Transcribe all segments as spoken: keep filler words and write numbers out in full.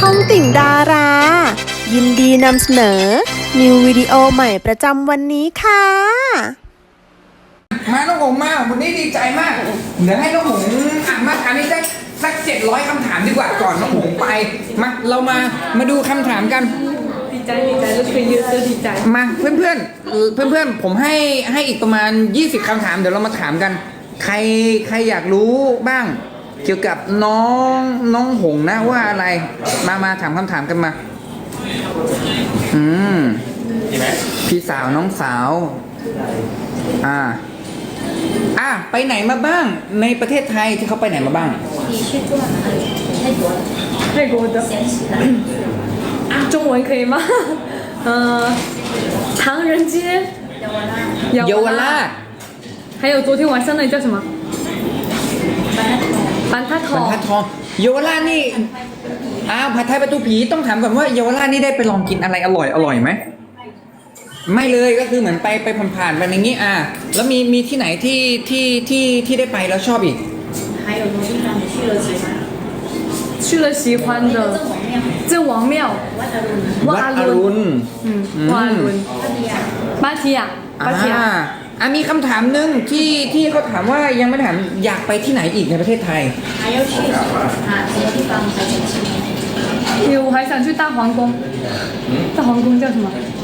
องติ่งดารา ยินดีนำเสนอ นิววิดีโอใหม่ประจำวันนี้ค่ะมาน้องหงมาวันนี้ดีใจมากเดี๋ยวให้น้องหงอ่านมาอันนี้สักสักเจ็ดร้อยคำถามดีกว่าก่อนน้องหงไปมาเรามามาดูคำถามกันดีใจดีใจรู้สึกเยอะจะดีใจมาเพื่อนเพื่อนเพื่อนเพื่อนๆผมให้ให้อีกประมาณยี่สิบคำถามเดี๋ยวเรามาถามกันใครใครอยากรู้บ้างเกี่ยวกับน้องน้องหงนะว่าอะไรมามาถามคำถามกันมาอืมพี่สาวน้องสาวอ่าอ่ะไปไหนมาบ้างในประเทศไทยที่เขาไปไหนมาบ้าง泰国的中文可以吗呃唐人街เยาวราช还有昨天晚上那里叫什么板塔บรรทัดทองเยาวราชนี่อ้าวผัดไทยประตูผีต้องถามก่อนว่าเยาวราชนี่ได้ไปลองกินอะไรอร่อยอร่อยไหมไม่เลยก็คือเหมือนไปไปผ่านๆไปอย่างนี้อ่ะแล้วมีมีที่ไหนที่ที่ที่ที่ได้ไปแล้วชอบอีก还有什么地方你去了喜欢？ 去了喜欢的郑王庙วัดอรุณวัดอรุณ嗯วัดอรุณพัทยา芭提雅芭提雅อ่ะมีคำถามหนึ่งที่ที่เขาถามว่ายังไม่ถามอยากไปที่ไหนอีกในประเทศไทย还要去啊什么地方才想去我还想去大皇宫大皇宫叫什么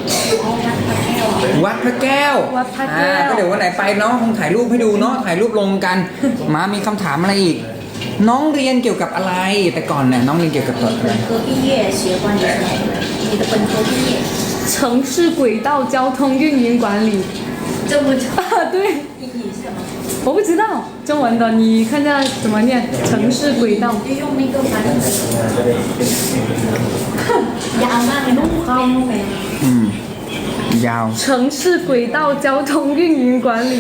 วัดพระแก้ววัดพระแก้วก็เดี๋ยววันไหนไปเนาะคงถ่ายรูปให้ดูเนาะถ่ายรูปลงกัน มามีคำถามอะไรอีก น้องเรียนเกี่ยวกับอะไรแต่ก่อนเนี่ยน้องเรียนเกี่ยวกับอะไร本科毕业喜欢你什么你的本科毕业城市轨道交通运营管理这么长啊对意义是什么我不知道中文的你看一下怎么念城市轨道就用那个翻译ยาวมากเลยนุ่มเข้านุ่มเลยอืมยาว城市轨道交通运营管理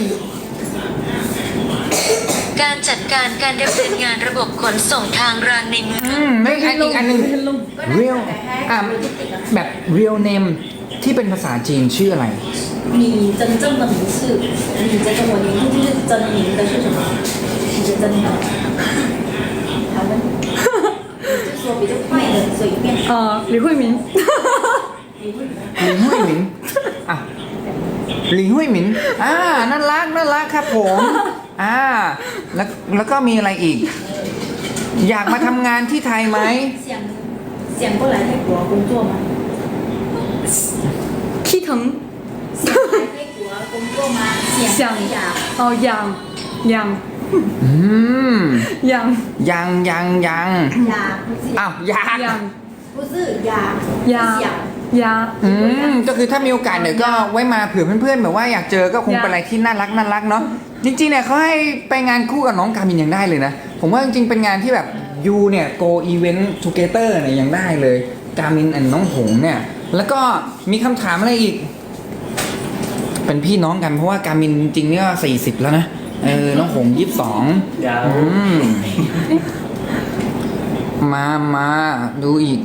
การจัดการการดำเนินงานระบบขนส่งทางรางในเมืองอืมไม่อันอีกอันหนึ่ง real อ่ะแบบ real name ที่เป็นภาษาจีนชื่ออะไร你真正的名是你这个我名字就是真名的是什么你的真的好的就说比较快的随便呃李慧明หลิงหุยหมินอ่ะหลิงหุยหมินอ่าน่ารักน่ารักครับผมอ่าแล้วแล้วก็มีอะไรอีก อยากมาทำงานที่ไทยไหม想想过来泰国工作吗 키腾想来泰国工作吗想呀哦养养อืม养ยังยังยัง呀不是อ้าวอยาก养不是呀呀想呀อืมก็คือถ้ามีโอกาสเดี๋ยวก็ไว้มาเผื่อเพื่อนๆแบบว่าอยากเจอก็คงเป็นอะไรที่น่ารักน่ารักเนาะจริงๆเนี่ยเขาให้ไปงานคู่กับน้องกามินยังได้เลยนะผมว่าจริงๆเป็นงานที่แบบยูเนี่ย go event together เนี่ยยังได้เลยกามินและน้องหงเนี่ยแล้วก็มีคำถามอะไรอีกเป็นพี่น้องกันเพราะว่ากามินจริงๆเนี่ยสี่สิบแล้วนะเออน้องหงยี่สิบสองมามาดูอีก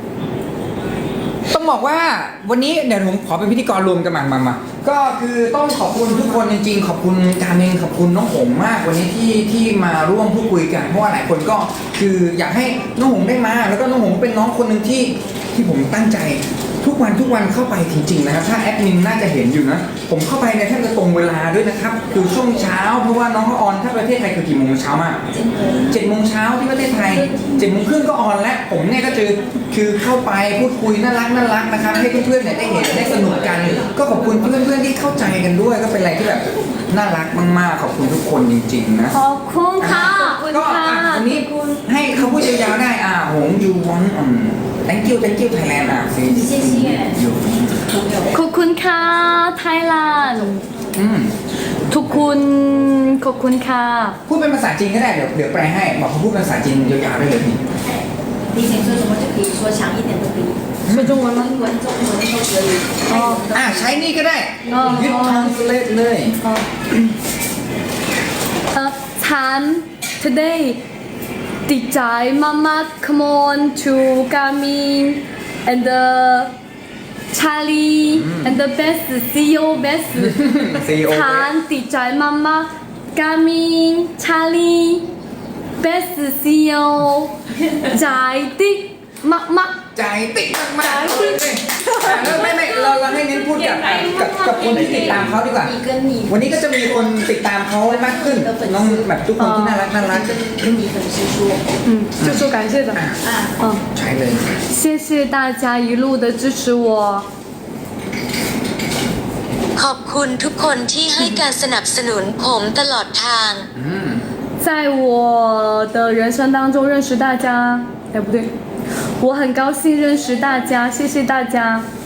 ต้องบอกว่าวันนี้เดี๋ยวผมขอเป็นพิธีกรรวมกันมามามาก็คือต้องขอบคุณทุกคนจริงๆขอบคุณการเองขอบคุณน้องหงมากวันนี้ที่ที่มาร่วมพูดคุยกันเพราะว่าหลายคนก็คืออยากให้น้องหงได้มาแล้วก็น้องหงเป็นน้องคนหนึ่งที่ที่ผมตั้งใจทุกวันทุกวันเข้าไปจริงๆนะครับถ้าแอดมินน่าจะเห็นอยู่นะผมเข้าไปในแทบจะตรงเวลาด้วยนะครับคือช่วงเช้าเพราะว่าน้องเขาออนถ้าประเทศไทยคือกี่โมงเช้ามากเจ็ดโมงเช้าที่ประเทศไทยเจ็ดโมงครึ่งก็ออนแล้วผมเนี่ยก็คือคือเข้าไปพูดคุยน่ารักน่ารักนะครับให้เพื่อนๆเนี่ยได้เห็นได้สนุกกันก็ขอบคุณเพื่อนๆที่เข้าใจกันด้วยก็เป็นอะไรที่แบบน่ารักมากๆขอบคุณทุกคนจริงๆนะขอบคุณค่ะก็วันนี้ให้เขาพูดยาวๆได้อ่าหงยูวอนอืม thank you thank you Thailand อ่ะสิขอบคุณค่ะไทยแลนด์อืมทุกคนขอบคุณค่ะพูดเป็นภาษาจีนก็ได้เดี๋ยวเดี๋ยวแปลให้บอกเขาพูดเป็นภาษาจีนยาวๆได้เลยพี่你想说什么就可以说长一点都可以说中文吗英文中文都可以อ๋ออ่ะใช้นี่ก็ได้ยึดทางเลดเลยเอ่อฉัน today ดีใจมากๆ come on to Garmin and the Charlie and the best ซี อี โอbest ฉันดีใจมากๆ Garmin Charlie best ซี อี โอ ใจติ๊กมากมากใจติดมากๆเลยอ่ะแล้วไม่ไม่เราเราให้เน้นพูดกับกับกับคนที่ติดตามเขาดีกว่า你跟你วันนี้ก็จะมีคนติดตามเขามากขึ้นน้องแบบทุกคนที่น่ารักน่ารัก跟你粉丝说嗯，就说感谢的。 啊， 嗯， ใช่เลย谢谢大家一路的支持我。 ขอบคุณทุกคนที่ให้การสนับสนุนผมตลอดทางอืม在我的人生当中认识大家，哎不对，我很高兴认识大家，谢谢大家。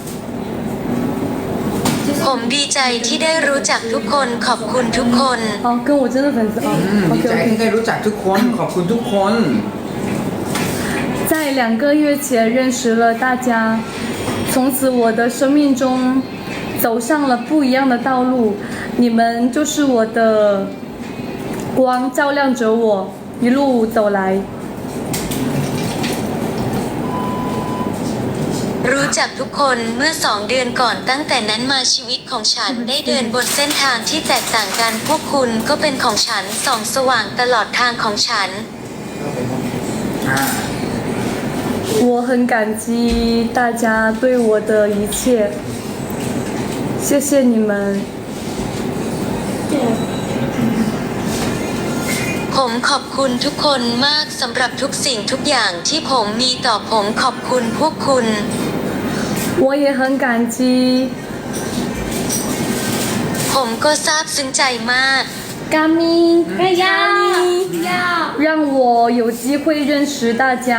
ผมดีใจที่ได้รู้จักทุกคนขอบคุณทุกคน哦，跟我真的粉丝哦อืมดี ，OK ใจที่ OK。 ได้รู้จักทุกคนขอบคุณทุกคน在两个月前认识了大家，从此我的生命中走上了不一样的道路，你们就是我的光，照亮着我一路走来。 รู้จักทุกคนเมื่อสองเดือนก่อนตั้งแต่นั้นมาชีวิตของฉันได้เดินบนเส้นทางที่แตกต่างกันพวกคุณก็เป็นของฉันส่องสว่างตลอดทางของฉันอ่า我很感激大家对我的一切，谢谢你们。 ผมขอบคุณทุกคนมากสำหรับทุกสิ่งทุกอย่างที่ผมมีต่อผมขอบคุณพวกคุณ我也很感激ผมก็ซาบซึ้งใจมาก嘎咪嘎咪，让我有机会认识大家。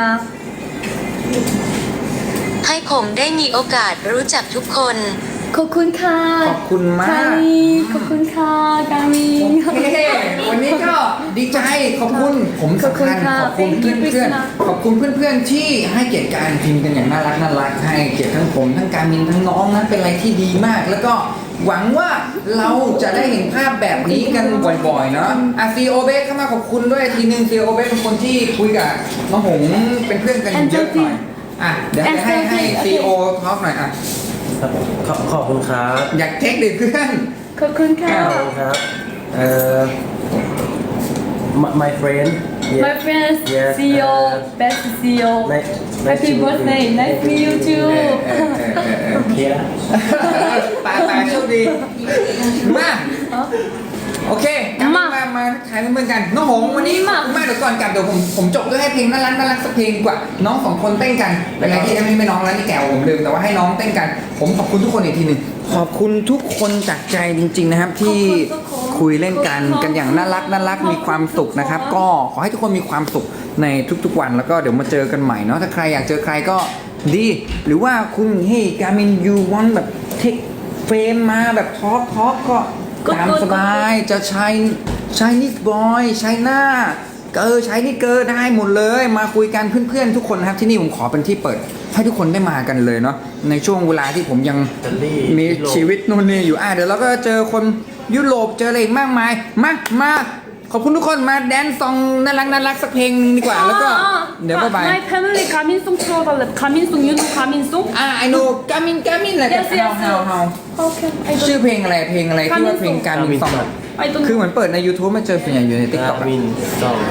ขให้ผมได้มีโอกาสรู้จักทุกคนขอบคุณค่ะขอบคุณมากกามิขอบคุณค่ะกามิโอเควันนี้ก็ดีใจขอบคุณผมสำคัญขอบคุณเพื่อนๆขอบคุณเพื่อนๆที่ให้เกียรติการพิมพ์กันอย่างน่ารักน่ารักให้เกียรติทั้งผมทั้งการมินทั้งน้องนะเป็นอะไรที่ดีมาก แล้วก็หวังว่าเราจะได้เห็นภาพแบบนี้กันบ่อยๆเนาะอ่ะซีโอเบสเข้ามาขอบคุณด้วยทีนึงซีโอเบสเป็นคนที่คุยกับน้องหงเป็นเพื่อนกันเยอะหน่อยอ่ะเดี๋ยวจะให้ให้ซีโอทอล์กหน่อยอ่ะครับขอบขอบคุณครับอยากเทคดิเพื่อนขอบคุณค่ะขอบคุณครับเอ่อ my my friend yes. My friends Yes, see you uh, best see you Nice- nice Happy to meet birthday you. nice to meet you ๆ too เออเออเออเออเออโอเคแล้วตาตาโชคดี มาโอเคกลับมามามาถ่ายเพื่อนๆกันน้องหงวันนี้ขอบคุณมากเดี๋ยวก่อนกลับเดี๋ยวผมผมจบด้วยให้เพลงน่ารักน่ารักสักเพลงดีกว่าน้องสองคนเต้นกันเป็นไรที่ไม่ไม่น้องแล้วนี่แกวผมลืมแต่ว่าให้น้องเต้นกัน ผมขอบคุณทุกคนอีกทีหนึ่งขอบคุณทุกคนจากใจจริง ๆนะครับ ที่คุยเล่นกันกันอย่างน่ารักน่ารักมีความสุขนะครับ ก็ขอให้ทุกคนมีความสุขในทุกๆวันแล้วก็เดี๋ยวมาเจอกันใหม่เนาะถ้าใครอยากเจอใครก็ดีหรือว่าคุณเฮ้ยการมินยูวอนแบบเทคเฟรมมาแบบทอล์กทอล์กก็ ตามสบายจะใช้ใช้นิสบอยใช้หน้าเกอใช้นี่เกอได้หมดเลยมาคุยกันเพื่อนๆทุกคนนะครับที่นี่ผมขอเป็นที่เปิดให้ทุกคนได้มากันเลยเนาะในช่วงเวลาที่ผมยังอิตาลีมียุโรปชีวิตนู่นนี่อยู่อ่ะเดี๋ยวเราก็เจอคนยุโรปเจออะไรอีกมากมายมามาขอบคุณทุกคนมาแดนซ์ซองน่ารักน่ารักสักเพลงนึงดีกว่าแล้วก็เดี๋ยวบ๊ายบาย My family 가민송 틀어달래 가민송 유노 가민송 อ่ะไอโนกามินกามินอะไรกัน Yes, yes, เฮาเฮา Okay I ชื่อ don't เพลงอะไรเพลงอะไรที่ว่าเพลงการมินซอง I don't คือ know เหมือนเปิดใน YouTube มาเจอส่วนใหญ่อยู่ใน TikTok กามินสอง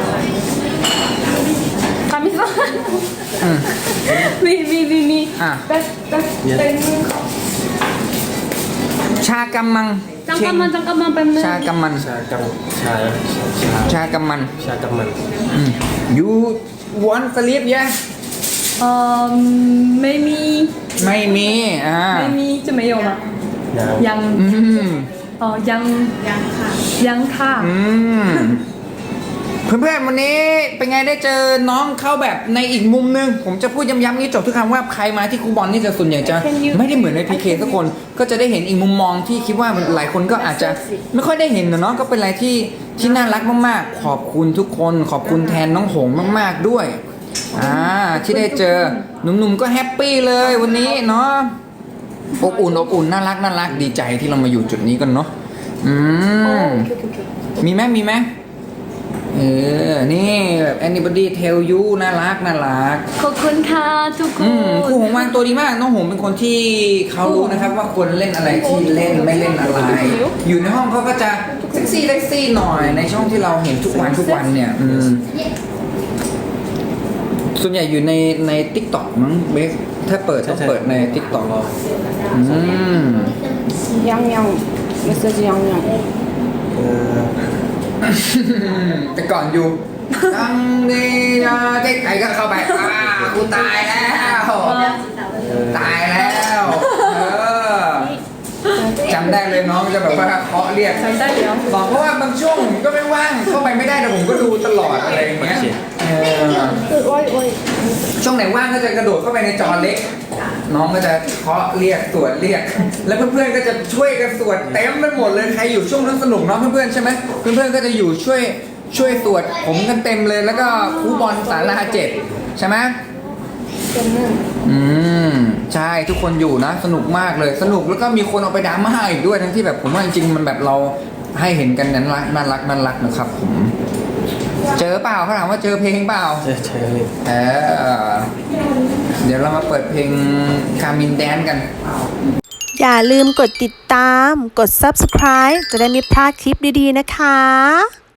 가민송 อืมมีมีมีมีอ่ะ Best best Yes. best ชากำมัง 잠깐만 잠깐만 뱀는 ชากำมันชากำชาชาชากำมันชากำมันอืม you want sleep yeah 어ไม่มีไม่มีอ่าไม่มีจะไม่有吗ยังยังอืมเอ๋อยังยังค่ะยังค่ะอืมเพื่อนๆวันนี้เป็นไงได้เจอน้องเข้าแบบในอีกมุมนึง ผมจะพูดย้ำๆนี้จบทุกครั้งว่าใครมาที่คูบอลนี่จะส่วนใหญ่จะไม่ได้เหมือนในพีเคทุกคนก็จะได้เห็นอีกมุมมองที่คิดว่าหลายคนก็อาจจะไม่ค่อยได้เห็นนะเนาะก็เป็นอะไรที่ที่น่ารักมากๆ ขอบคุณทุกคน ขอบคุณแทนน้องหงมากๆด้วยอ่าที่ได้เจอหนุ่มๆก็แฮปปี้เลยวันนี้เนาะอบอุ่นอบอุ่นน่ารักน่ารักดีใจที่เรามาอยู่จุดนี้กันเนาะอืมมีไหมมีไหมเออ นี่แบบ anybody tell you น่ารักน่ารักขอบคุณค่ะทุกคอืมครูนหงวางตัวดีมาก น้องหงเป็นคนที่เขารู้นะครับว่าควรเล่นอะไรที่เล่นไม่เล่นอะไร อยู่ในห้องเขาก็จะเซ็กซี่เซ็กซี่หน่อยในช่องที่เราเห็นทุกวันทุกวันเนี่ย อืมส่วนใหญ่อยู่ในใน TikTok มั้งเบสถ้าเปิดต้องเปิดใน TikTok อืมยังยังไม่ใช่ยังยังแต่ก่อนอยู่ตั้งนี่นะใกล้ๆก็เข้าไปอ่ากูตายแล้ว ตายแล้วเออจำได้เลยน้องจะแบบว่าเคาะเรียกจำได้แล้วบอกเพราะว่าบางช่วงผมก็ไม่ว่างเข้าไปไม่ได้แต่ผมก็ดูตลอดอะไรอย่างเงี้ยเออคือโอ้ยโอ้ยช่วงไหนว่างก็จะกระโดดเข้าไปในจอเล็ก น้องก็จะเคาะเรียกสวดเรียก แล้วเพื่อนๆก็จะช่วยกันสวดเต็มไปหมดเลยใครอยู่ช่วงนั้นสนุกเนาะเพื่อนๆใช่ไหมเพื่อนๆก็จะอยู่ช่วยช่วยสวดผมกันเต็มเลยแล้วก็ครูบอลสาราเจ็ดใช่ไหมเป็นหนึ่งอืมใช่ทุกคนอยู่นะสนุกมากเลยสนุกแล้วก็มีคนเอาไปดราม่าอีกด้วยทั้งที่แบบผมว่าจริงๆมันแบบเราให้เห็นกันนั้นรักน่ารักน่ารักนะครับผมเจอเปล่าเขาถามว่าเจอเพลงเปล่าเจอเจอเลยเออเดี๋ยวเรามาเปิดเพลงคามินแดนกันอย่าลืมกดติดตาม กด ซับสไครบ์ จะได้ไม่พลาดคลิปดีๆนะคะ